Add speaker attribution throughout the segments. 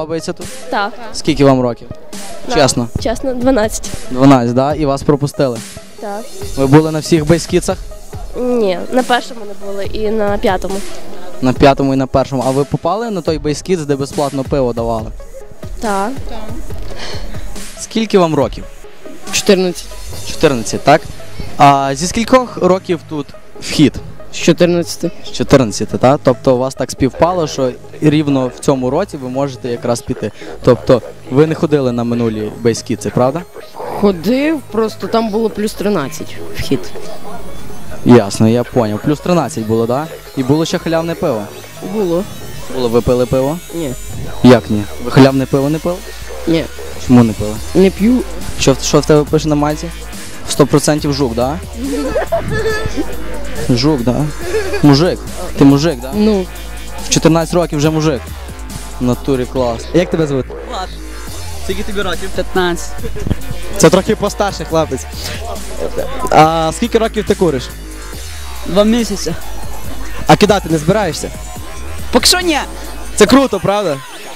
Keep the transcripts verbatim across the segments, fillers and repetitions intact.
Speaker 1: подобається тут?
Speaker 2: Так.
Speaker 1: Скільки вам років? Чесно?
Speaker 2: Чесно, дванадцять.
Speaker 1: дванадцять, да? І вас пропустили?
Speaker 2: Так.
Speaker 1: Ви були на всіх бейскітсах?
Speaker 2: Ні, на першому не були і на п'ятому.
Speaker 1: На п'ятому і на першому. А ви попали на той бейскітс, де безплатно пиво давали?
Speaker 2: Так.
Speaker 1: Скільки вам років?
Speaker 3: чотирнадцять.
Speaker 1: чотирнадцять, так? А зі скількох років тут вхід?
Speaker 3: З чотирнадцяти.
Speaker 1: З чотирнадцяти, так? Тобто у вас так співпало, що рівно в цьому році ви можете якраз піти. Тобто ви не ходили на минулі бейскітси, правда?
Speaker 3: Ходив, просто там було плюс тринадцять вхід.
Speaker 1: Ясно, я зрозумів. Плюс тринадцять було, так? Да? І було ще халявне пиво?
Speaker 3: Було.
Speaker 1: Було, ви пили пиво?
Speaker 3: Ні.
Speaker 1: Як ні? Ви халявне пиво не пили?
Speaker 3: Ні.
Speaker 1: Чому не пили?
Speaker 3: Не п'ю.
Speaker 1: Що, що в тебе пише на майці? сто відсотків жук, так? Да? Жук, так? Да? Мужик. Ти мужик, так? Да?
Speaker 3: Ну.
Speaker 1: В чотирнадцять років вже мужик. В натурі клас. Як тебе звати?
Speaker 4: Влад. Скільки тобі років? п'ятнадцять.
Speaker 1: Це трохи постарший хлопець. А скільки років ти куриш?
Speaker 4: Два місяці.
Speaker 1: А кидати не збираєшся?
Speaker 4: Поки що ні.
Speaker 1: Це круто, правда?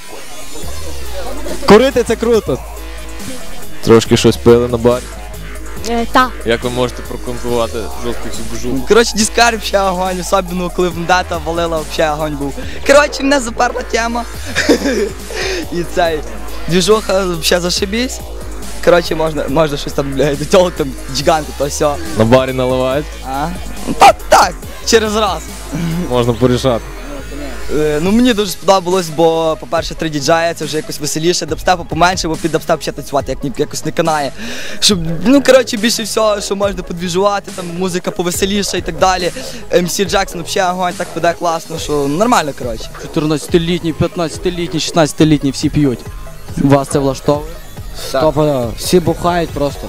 Speaker 1: Курити це круто.
Speaker 5: Трошки щось пили на барі.
Speaker 2: Е, так.
Speaker 5: Як ви можете прокоментувати жорсткий субжук?
Speaker 4: Коротше, дискар взагалі огонь, особливо коли вендета валила, взагалі огонь був. Коротше, мене заперла тема. І цей, двіжуха взагалі зашибісь. Коротше, можна, можна щось там, блядь, до цього там гіганти, то все.
Speaker 5: На барі наливають?
Speaker 4: А? Ну, так, так, через раз.
Speaker 5: Можна порішати.
Speaker 4: Е, Ну мені дуже сподобалось, бо, по-перше, три діджея, це вже якось веселіше, дабстепу поменше, бо під дабстеп ще танцювати як ні, якось не канає. Щоб, ну, коротше, більше всього, що можна подвіжувати, там музика повеселіша і так далі. Ем Сі Джексон взагалі огонь, так веде класно, що нормально, коротше.
Speaker 1: чотирнадцятилітні, п'ятнадцятилітні, шістнадцятилітні всі п'ють. Вас це влаштовує?
Speaker 6: Стоп, всі бухають просто.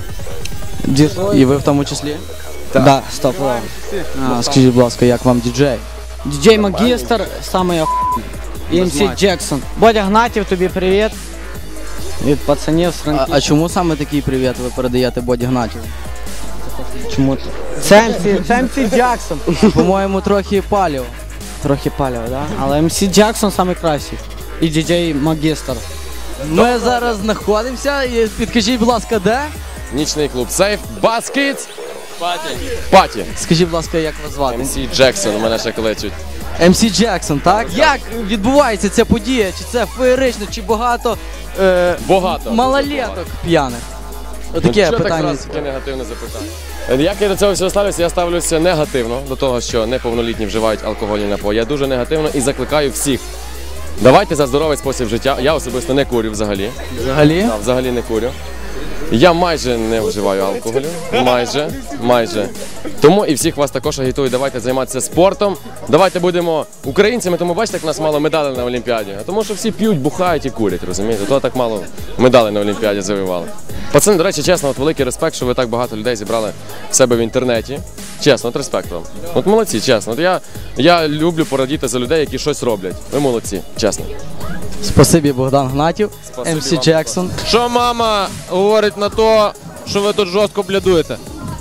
Speaker 1: І ви в тому числі?
Speaker 6: Так. Да, стоп.
Speaker 1: А, скажіть, будь ласка, як вам діджей?
Speaker 6: Діджей Магістр, самий охуєнний. І Ем Сі Джексон. Бодя Гнатів, тобі привіт. Від пацанів з
Speaker 1: А,
Speaker 6: Франківська.
Speaker 1: а чому саме такий привіт ви передаєте Боді Гнатіву?
Speaker 6: Чому ти? Це Ем Сі, це Ем Сі Джексон.
Speaker 1: По-моєму, трохи паліво.
Speaker 6: Трохи паліво, да? Але Ем Сі Джексон найкращий. І діджей Магістр.
Speaker 1: Ми зараз знаходимося, і підкажіть, будь ласка, де?
Speaker 5: Нічний клуб Сейф, Баскетс, Паті. Паті.
Speaker 1: Скажіть, будь ласка, як вас звати?
Speaker 5: Ем Сі Джексон, у мене ще кличуть.
Speaker 1: Ем Сі Джексон, так? Як відбувається ця подія? Чи це феєрично, чи багато, е,
Speaker 5: Багато.
Speaker 1: малолеток п'яних? Отаке
Speaker 5: Ну, що
Speaker 1: питання.
Speaker 5: так раз таке негативне запитання? Як я до цього всього ставлюся? Я ставлюся негативно до того, що неповнолітні вживають алкогольні напої. Я дуже негативно і закликаю всіх. Давайте за здоровий спосіб життя. Я особисто не курю взагалі.
Speaker 1: Взагалі?
Speaker 5: Так, взагалі не курю. Я майже не вживаю алкоголю. Майже, майже. Тому і всіх вас також агітую, давайте займатися спортом. Давайте будемо українцями, тому бачите, як нас мало медалей на Олімпіаді. А тому що всі п'ють, бухають і курять, розумієте? То так мало медалей на Олімпіаді завоювали. Пацани, до речі, чесно, от великий респект, що ви так багато людей зібрали в себе в інтернеті. Чесно, от респект вам. От молодці, чесно. От я, я люблю порадіти за людей, які щось роблять. Ви молодці, чесно.
Speaker 1: Спасибі, Богдан Гнатів,
Speaker 5: Спасибі
Speaker 1: Ем Сі
Speaker 5: вам.
Speaker 1: Джексон.
Speaker 7: Що мама говорить на то, що ви тут жорстко блядуєте?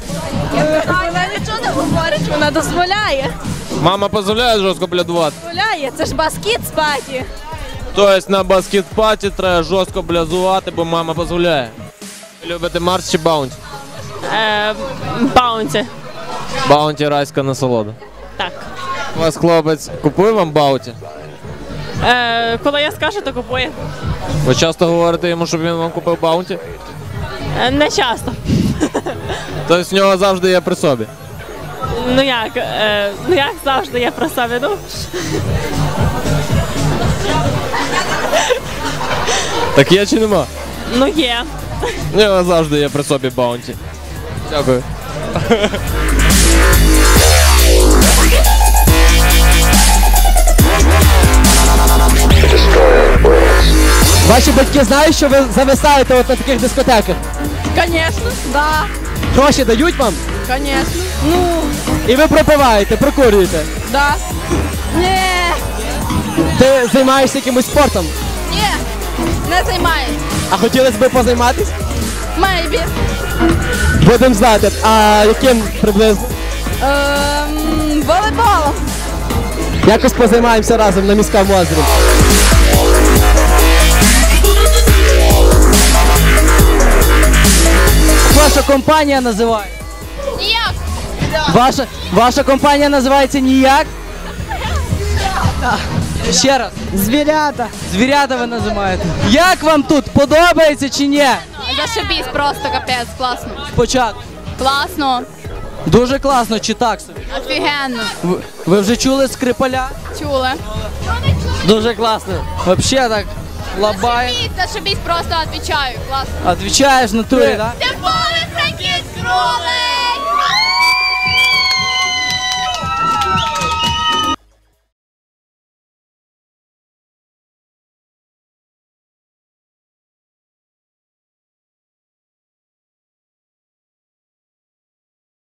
Speaker 8: Вона нічого не говорить, вона дозволяє.
Speaker 7: Мама дозволяє жорстко блядувати?
Speaker 8: Дозволяє, це ж баскет спаті.
Speaker 7: Тобто на баскет-паті треба жорстко блядувати, бо мама дозволяє. Любите Марс чи Баунті?
Speaker 8: Е, Баунті.
Speaker 7: Баунті райська насолода.
Speaker 8: Так.
Speaker 7: У вас хлопець купує вам Баунті?
Speaker 8: Е, коли я скажу, то купує.
Speaker 7: Ви часто говорите йому, щоб він вам купив Баунті?
Speaker 8: Е, не часто.
Speaker 7: Тобто в нього завжди є при собі?
Speaker 8: Ну як, е, ну як завжди я про себе, ну.
Speaker 7: Так є чи нема?
Speaker 8: Ну є.
Speaker 7: В нього завжди є при собі Баунті. Дякую.
Speaker 6: Ваші батьки знають, що ви зависаєте от на таких дискотеках?
Speaker 8: Конечно, да.
Speaker 6: Гроші дають вам?
Speaker 8: Конечно. Ну,
Speaker 6: І ви пропиваєте, прокурюєте.
Speaker 8: да. Ні.
Speaker 6: Ти займаєшся якимось спортом?
Speaker 8: Ні. Не займаюсь.
Speaker 6: А хотілося б позайматись?
Speaker 8: Мейбі.
Speaker 6: Будемо знати. А яким приблизно?
Speaker 8: Ем, волейболом.
Speaker 6: Якось позаймаємося разом на міському озері.
Speaker 1: ваша компанія називається?
Speaker 9: Ніяк.
Speaker 1: Ваша, ваша компанія називається ніяк? Ще раз.
Speaker 6: Звірята.
Speaker 1: Звірята ви називаєте. Як вам тут? Подобається чи ні?
Speaker 9: Зашибісь просто, капець, класно.
Speaker 1: Спочатку.
Speaker 9: Класно,
Speaker 1: Дуже класно, чи так собі?
Speaker 9: офігенно.
Speaker 1: Ви, ви вже чули Скрипаля?
Speaker 9: Чули.
Speaker 6: Дуже класно.
Speaker 1: Вообще так лабай.
Speaker 9: Зашибісь, зашибісь, просто відповідаю, класно.
Speaker 1: Отвечаєш в натурі, так?
Speaker 9: Це поле Франківськ руле!